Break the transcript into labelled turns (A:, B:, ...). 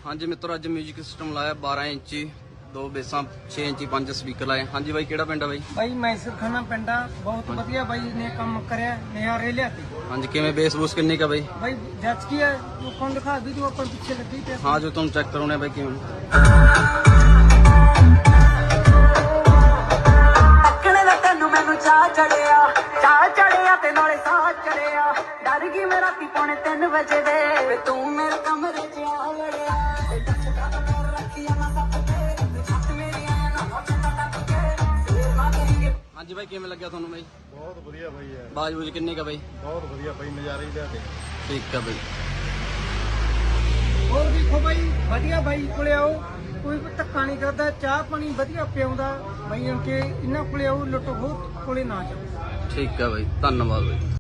A: ਹਾਂਜੀ ਮਿੱਤਰੋ, ਅੱਜ ਮਿਊਜ਼ਿਕ ਸਿਸਟਮ ਲਾਇਆ 12 ਇੰਚੀ 2 ਬੇਸਾਂ 6 ਇੰਚੀ 5 ਸਪੀਕਰ ਲਾਏ। ਹਾਂਜੀ ਬਾਈ, ਕਿਹੜਾ ਪਿੰਡ ਆ ਬਾਈ?
B: ਬਾਈ ਮੈਸਰ ਖਾਨਾ ਪਿੰਡਾ ਬਹੁਤ ਵਧੀਆ ਬਾਈ ਨੇ ਕੰਮ ਕਰਿਆ, ਨਿਆਰੇ ਲਿਆਤੀ।
A: ਹਾਂਜੀ, ਕਿਵੇਂ ਬੇਸ ਬੂਸ ਕਿੰਨੀ ਕਾ ਬਾਈ?
B: ਬਾਈ ਜੱਜ ਕੀ ਹੈ ਲੋਕਾਂ ਨੂੰ ਦਿਖਾ ਵੀਡੀਓ ਆਪਾਂ ਪਿੱਛੇ ਲੱਗੀ ਤੇ
A: ਹਾਂ, ਜੋ ਤੁਹਾਨੂੰ ਚੈੱਕ ਕਰਾਉਣੇ ਬਾਈ ਕਿਵੇਂ
C: ਅੱਖਣੇ ਦਾ ਤੈਨੂੰ ਮੈਨੂੰ ਚਾਹ ਚੜਿਆ ਤੇ ਨਾਲੇ ਸਾਹ ਚੜਿਆ। ਡਰ ਗਈ ਮੈਂ ਰਾਤੀ 2:45 ਵਜੇ ਦੇ ਵੇ ਤੂੰ ਮੇਰੇ ਕਮਰੇ 'ਚ ਆ ਵੜਿਆ।
A: ਹਾਂਜੀ ਬਾਈ, ਕਿਵੇਂ ਲੱਗਿਆ ਤੁਹਾਨੂੰ ਬਾਈ?
D: ਬਹੁਤ ਵਧੀਆ ਬਾਈ ਯਾਰ,
A: ਬਾਜ ਬੂਜ ਕਿੰਨੀ ਕਾ ਬਾਈ?
D: ਬਹੁਤ ਵਧੀਆ ਬਾਈ, ਨਜ਼ਾਰੇ ਹੀ ਲਿਆ ਕੇ।
A: ਠੀਕ ਆ ਬਾਈ।
B: ਹੋਰ ਦੇਖੋ ਬਾਈ, ਵਧੀਆ ਬਾਈ ਕੋਲੇ ਆਓ, ਕੋਈ ਧੱਕਾ ਨਹੀਂ ਕਰਦਾ, ਚਾਹ ਪਾਣੀ ਵਧੀਆ ਪਿਆਉਂਦਾ ਬਾਈ। ਕਿ ਇਹਨਾਂ ਕੋਲੇ ਆਓ, ਲੁੱਟ ਖੋਹ ਕੋਲੇ ਨਾ ਜਾਓ।
A: ਠੀਕ ਆ ਬਾਈ, ਧੰਨਵਾਦ ਬਾਈ।